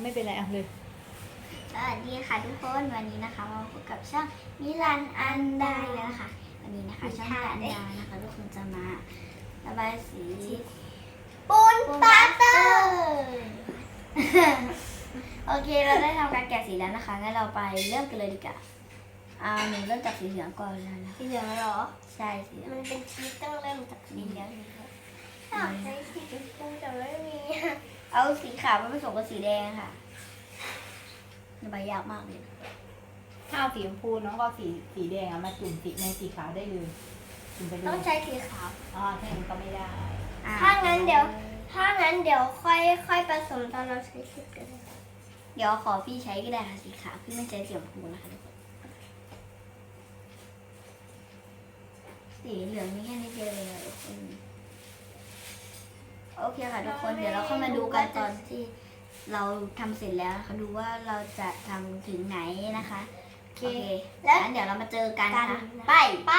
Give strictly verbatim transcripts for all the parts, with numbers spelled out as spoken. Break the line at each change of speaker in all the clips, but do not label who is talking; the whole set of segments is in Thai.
ไม่เป็นไรเอาเลย
สวัสดีค่ะทุกคนวันนี้นะคะมาพบกับช่องมิลันอันดาแล้วนะคะวันนี้นะคะช่องมิลันอันดานะคะทุกคนจะมาระบายสีปูนปาเตอร์โอเคเราได้ทำการแกะสีแล้วนะคะงั้นเราไปเริ่มกันเลยดีกว่าอ่าหนูเริ่มจากสีเหลืองก่อนเลยนะสีเหลืองเหรอใช่สีเหลืองมันเป็นชีสต้องเริ่มจากสีเหลืองถ้าใช้สีชมพูแต่ไม่มีเอาสีขาวมาผสมกับสีแดงค่ะระบายยากมากเลย
ถ้าเอาสีชมพูน้องก็สีสีแดงเอามาจุ่มสีในสีขาวได้เลยจุ่มไปเลย
ต้องใช้สีขาว
อ๋อถ้าอย่างนั้นก็ไม่ได้
ถ้างั้นเดี๋ยวถ้างั้นเดี๋ยวค่อยค่อยผสมตอนเราใช้สีกันเดี๋ยวขอพี่ใช้ก็ได้ค่ะสีขาวพี่ไม่ใช้สีชมพูนะคะทุกคนสีเหลืองนี่แค่นิดเดียวเลยทุกคนโอเคค่ะทุกคนเดี๋ยวเราเข้ามาดูกันตอนที่เราทำเสร็จแล้วนะคะดูว่าเราจะทำถึงไหนนะคะโอเคแล้วเดี๋ยวเรามาเจอกันนะคะไปไป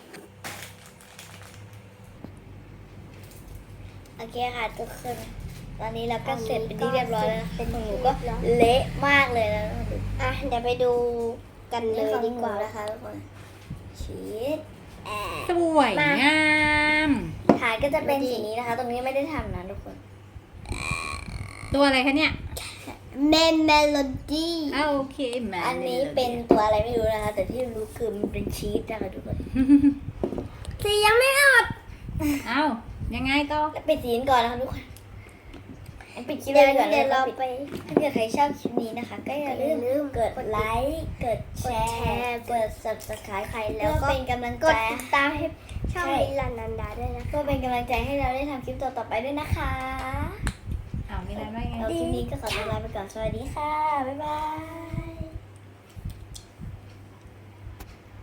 โอเคค่ะทุกคนตอนนี้เราก็เสร็จเป็นที่เรียบร้อยแล้วนะคะของหนูก็เละมากเลยแล้วอ่ะเดี๋ยวไปดูกันเลยดีกว่านะคะทุกคนชีส
สวยงาม
ฐานก็จะเป็นสีนี้นะคะตรงนี้ไม่ได้ทำนะทุกคน
ตัวอะไรคะเนี่ย
เมนเมโลดี้
โอเคแม
อันนี้เป็นตัวอะไรไม่รู้นะคะแต่ที่รู้คือมันเป็นชีสนะคะทุกคนสียังไม่หมด
เอ้ายังไงก็
ปิดสีก่อนนะคะทุกคนปิดคลิปเลยก่อนเดี๋ยวเราไปถ้าเกิดใครชอบคลิปนี้นะคะก็อย่าลืมกดไลค์กดแชร์กด ซับสไครบ์ ใครแล้วก็เป็นกำลังใจกดติดตามให้ช่องมิลันนันดาด้วยนะก็เป็นกำลังใจให้เราได้ทำคลิปต่อๆไปด้วยนะคะ
เอามีอะไรบ้างไง
เอาคลิปนี้ก็ขอตัวลาไปก่อนสวัสดีค่ะบ๊ายบาย